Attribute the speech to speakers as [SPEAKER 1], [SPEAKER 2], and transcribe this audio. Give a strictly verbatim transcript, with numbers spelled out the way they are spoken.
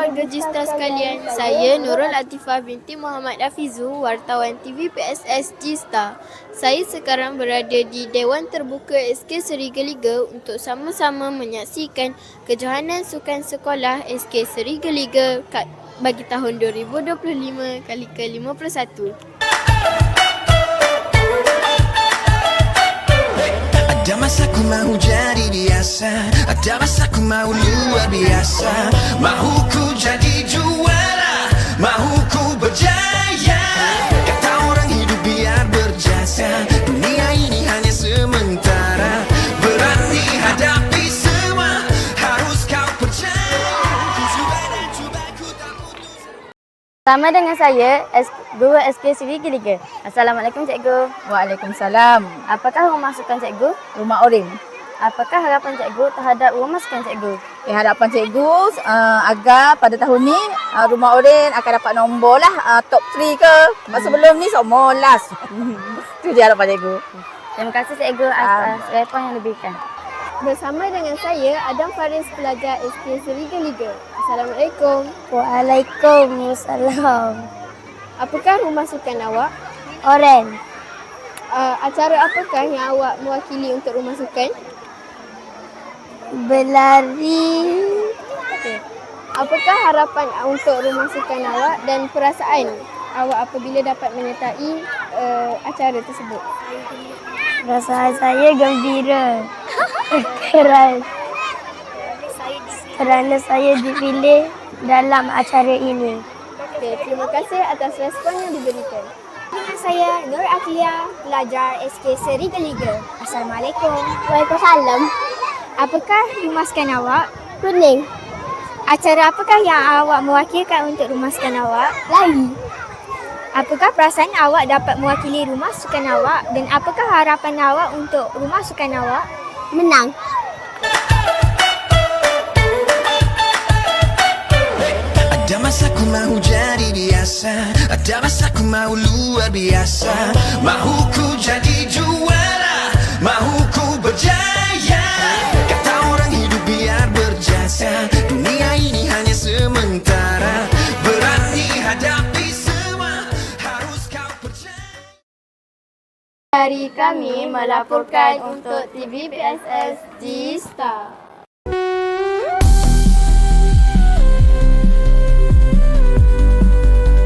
[SPEAKER 1] warga Jista sekalian, saya Nurul Atifah binti Muhammad Afizu, wartawan T V P S S Jista. Saya sekarang berada di Dewan Terbuka S K Seri Geliga untuk sama-sama menyaksikan kejohanan sukan sekolah S K Seri Geliga bagi tahun dua ribu dua puluh lima kali ke lima puluh satu.
[SPEAKER 2] Ada masa ku mau jadi biasa, ada masa ku mau luar biasa. Mahu ku jadi juara, mahu ku berjaya. Kata orang hidup biar berjasa, dunia ini hanya sementara. Berani hadapi semua, harus kau percaya. Cuba dan cuba ku tak putus.
[SPEAKER 3] Sama dengan saya, Guru S K Seri Geliga. Assalamualaikum Cikgu.
[SPEAKER 4] Waalaikumsalam.
[SPEAKER 3] Apakah rumah sukan Cikgu?
[SPEAKER 4] Rumah Orim.
[SPEAKER 3] Apakah harapan Cikgu terhadap rumah sukan Cikgu?
[SPEAKER 4] Eh, harapan Cikgu uh, agar pada tahun ni uh, Rumah Orim akan dapat nombor lah uh, top tiga ke. Sebab hmm. sebelum ni semua last. Itu je harapan Cikgu.
[SPEAKER 3] Terima kasih Cikgu atas uh, respon yang diberikan.
[SPEAKER 1] Bersama dengan saya, Adam Faris, pelajar S K Seri Geliga. Assalamualaikum.
[SPEAKER 3] Waalaikumsalam.
[SPEAKER 1] Apakah rumah sukan awak?
[SPEAKER 3] Oren.
[SPEAKER 1] Uh, acara apakah yang awak mewakili untuk rumah sukan?
[SPEAKER 3] Berlari.
[SPEAKER 1] Okay. Apakah harapan untuk rumah sukan awak dan perasaan awak apabila dapat menyertai uh, acara tersebut?
[SPEAKER 3] Perasaan saya gembira. Keras. Kerana saya dipilih dalam acara ini.
[SPEAKER 1] Okay, terima kasih atas respon yang diberikan.
[SPEAKER 5] Dengan saya Nur Aklia, pelajar S K Seri Geliga. Assalamualaikum.
[SPEAKER 3] Waalaikumsalam.
[SPEAKER 5] Apakah rumah sukan awak?
[SPEAKER 3] Kuning.
[SPEAKER 5] Acara apakah yang awak mewakilkan untuk rumah sukan awak?
[SPEAKER 3] Lari.
[SPEAKER 5] Apakah perasaan awak dapat mewakili rumah sukan awak dan apakah harapan awak untuk rumah sukan awak?
[SPEAKER 3] Menang.
[SPEAKER 2] Ada masa ku mau jadi biasa, ada masa ku mau luar biasa. Mahu ku jadi juara, mahu ku berjaya. Kata orang hidup biar berjasa, dunia ini hanya sementara. Berani hadapi semua, harus kau percaya.
[SPEAKER 1] Dari kami melaporkan untuk T V P S S Jista.